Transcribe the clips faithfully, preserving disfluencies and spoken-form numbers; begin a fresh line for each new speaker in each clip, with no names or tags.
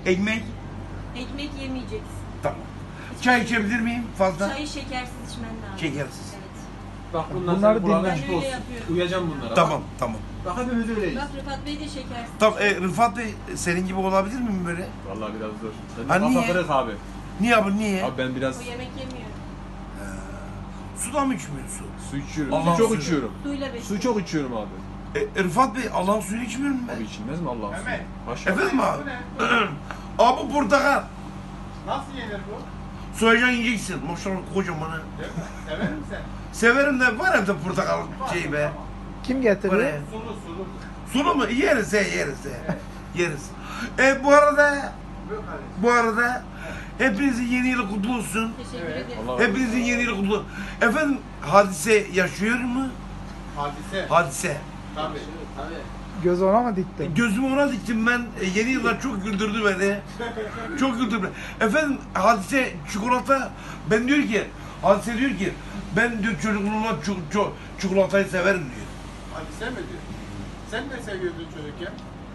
Ekmek?
Ekmek yemeyeceksin.
Tamam. Çay içebilir miyim fazla?
Çayı şekersiz içmen lazım.
Şekersiz.
Evet.
Bak bunlar
Bunları
senin kulağına
dinle.
açık
Ben öyle
olsun.
yapıyorum.
Uyacağım bunlara.
Tamam, tamam.
Bak, bak hepimiz öyleyiz.
Bak Rıfat Bey de şekersiz.
Tamam, e, Rıfat Bey senin gibi olabilir miyim böyle?
Vallahi biraz zor. Sen
Ha,
kafa
niye?
kırık abi.
Niye abi, niye?
Abi ben biraz
O yemek yemiyor.
Su da mı içmiyorsun?
su içiyorum.
Allah'ın
su çok
suyu.
içiyorum.
Suyla besliyor.
Su çok içiyorum abi.
E, Rıfat Bey Allah'ın suyunu içmiyor mu
Abi
ben?
içilmez mi Allah'ın suyu?
Mehmet.
Haşa.
Efendim abi? Abi bu portakal.
Nasıl yenir bu?
Soyacaksın yiyeceksin. Maşallah kocaman ha.
Sever misin sen?
Severim de var evde portakal şey be.
Kim
Var
getiriyor?
ya.
Sulu sulu.
Sulu mu? Yeriz he, yeriz he. Yeriz. E bu arada, bu arada hepinizin yeni yılı kutlu olsun.
Teşekkür
Evet.
ederim.
Allah razı olsun.
Hepinizin yeni yılı kutlu olsun. Efendim Hadise yaşıyor mu?
Hadise.
Hadise.
Tabii.
Göz ona mı diktin?
Gözümü ona diktim ben. E, yeni yıllar çok güldürdü beni. Çok güldürdü beni. Efendim Hadise çikolata, ben diyor ki, Hadise diyor ki, ben diyor çocukluğumda çu, çu, çikolatayı severim diyor.
Hadise mi diyor? Sen ne seviyordun çocukken?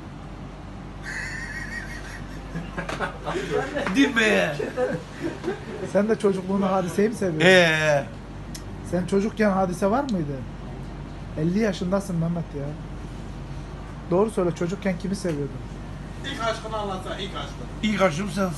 Değil mi ya?
Sen de çocukluğunu Hadise'yi mi seviyorsun?
Eee.
Sen çocukken Hadise var mıydı? elli yaşındasın Mehmet ya. Doğru söyle, çocukken kimi seviyordun?
İlk aşkını anlatsana, ilk aşkını.
İlk aşkım sen.